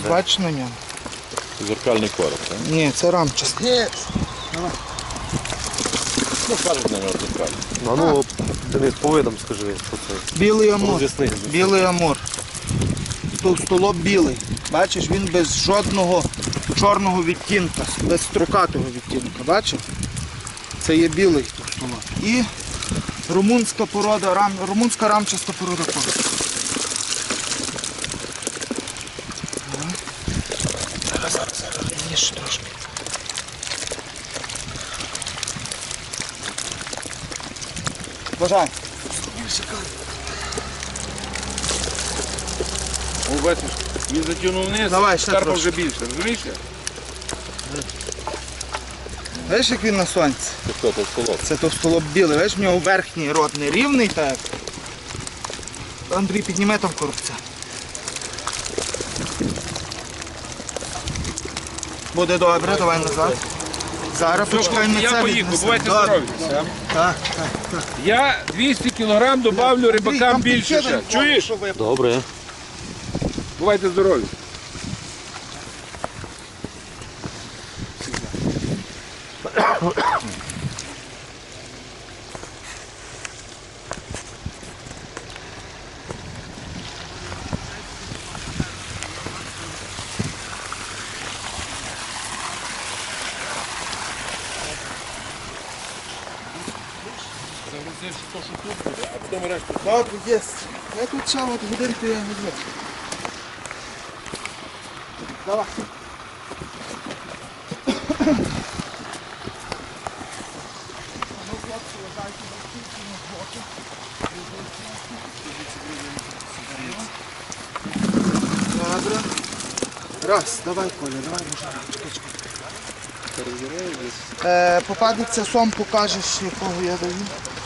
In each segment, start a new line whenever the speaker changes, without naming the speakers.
Щось бачиш на ньому?
Зеркальний короб, так?
Ні, це рамчаста.
Ну, кажуть на нього зеркальний.
Ну, Денис, по видам скажи, що це.
Білий амур.
Роз'ясни.
Білий амур. Товстолоб білий. Бачиш, він без жодного чорного відтінка, без строкатого відтінка. Бачиш? Це є білий товстолоб. І румунська порода, румунська рамчаста порода короб. Зараз, ніж трошки. Бажай.
О, бачиш, він затягнув вниз,
Давай, ще
карпа
трошки.
вже більше, розумієш?
Бачиш, як він на сонці?
Це хто, товстолоб?
Це товстолоб білий. Бачиш, в нього верхній рот не рівний, так. Андрій, підніме там коробця. Буде добре, давай назад. Зараз почекай на
Я
це
поїхав,
віднесемо.
бувайте
Добре.
здорові.
Так.
Я 200 кг добавлю рибакам більше ще. Чуєш?
Добре.
Бувайте здорові. Загрузиш то, що тут буде, а потім решту.
Добре, є. Я тут ще от годинку я візьму. Давай. Добре. Раз, давай, Коля, давай, може. Попадеться сом, покажеш, якого я даю.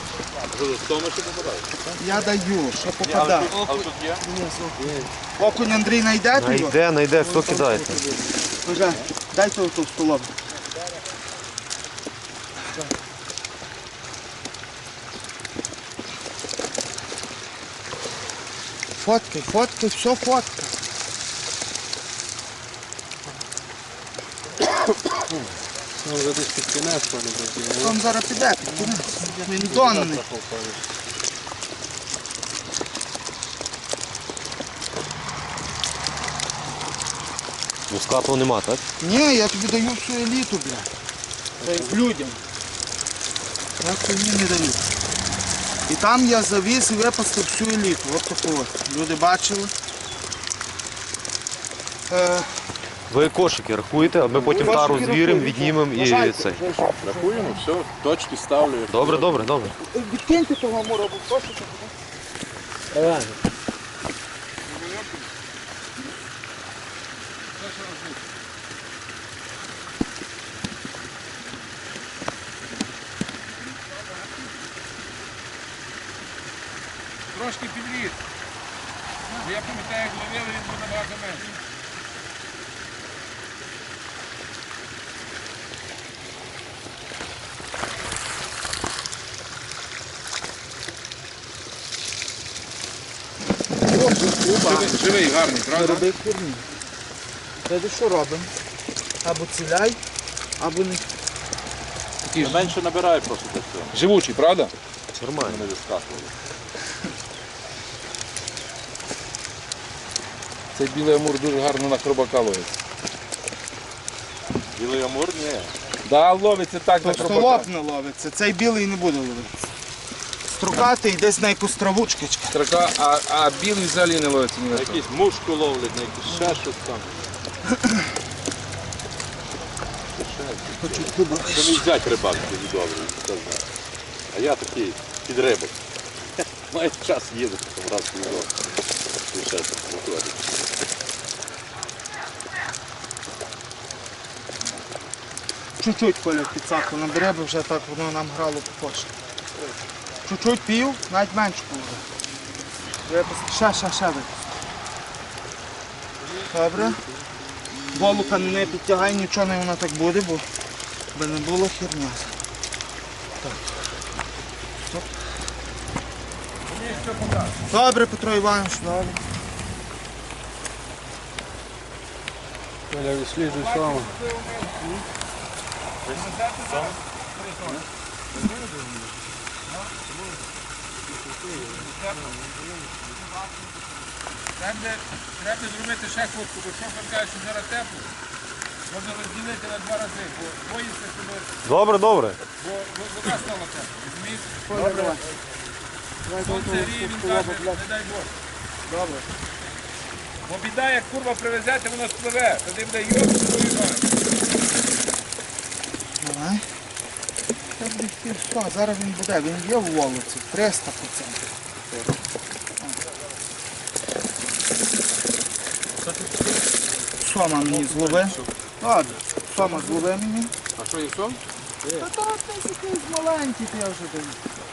Я даю, що попадає.
А тут є?
Окунь Андрій знайде його?
Найде, хто кидається.
Боже, дай того столом. Фоткай, все фоткай.
Вже десь під кінець,
Він зараз піде, під кінець. Він донний.
Мускату нема, так?
Ні, я тобі даю всю еліту, бля. Це як людям. Я тобі не даю. І там я завіз і випустив всю еліту. Ось таку от. Люди бачили.
Ви кошики рахуєте, а ми потім тару звіримо, віднімемо і цей.
Рахуємо, все, точки ставлю.
Добре.
Відкиньте того мура, бо прошу.
Трошки підріс. Я пам'ятаю, як ловили, він був набагато менше. Живий, гарний, правда?
Роби херні. Тоді що робимо? Або ціляй, або не.
Такий менше набирає просто для цього. Живучий, правда?
Нормально.
Не вискакували. Цей білий амур дуже гарно на хробака ловиться. Білий амур? Ні. Да, ловиться так на хробака.
Столоп не ловиться, цей білий не буде ловитися. Строкатий десь на якусь травучкичка.
Строка, а білий взагалі не ловиться ні на що.
Якісь мушку ловлять, на якісь ще щось там.
Хочуть дуба.
Це мій зять рибак тоді добрий, хто знає. А я такий під рибок. Має час їздити, там раз в рік. І ще так виходить.
Чуть-чуть Коля підсаку набере, бо вже так воно нам грало по коші. Чуть-чуть пів, навіть менше буде. Ще випусти. Добре. Голука не підтягай, нічого не воно так буде, бо би не було херня. Так. Стоп. Добре, Петро Іванович, добре.
Коля, відслідуй саме.
Треба зробити ще хвостку, бо шофер каже, що зараз тепло. Можна розділити на 2 рази, бо боїться, щоб
Добре, добре.
бо вода стала тепла. Розумієш?
Добре.
Сонце гріє, він каже, не дай Боже.
Добре.
Бо біда, як курва привезете, вона спливе. Тоді буде йоб, свою мать.
Давай. Та буде все, зараз він буде, він є в волоці, 300%. Сома мені злови. Ладно, сома злови мені.
А що, є сом?
Та то якийсь маленький, то я вже даю.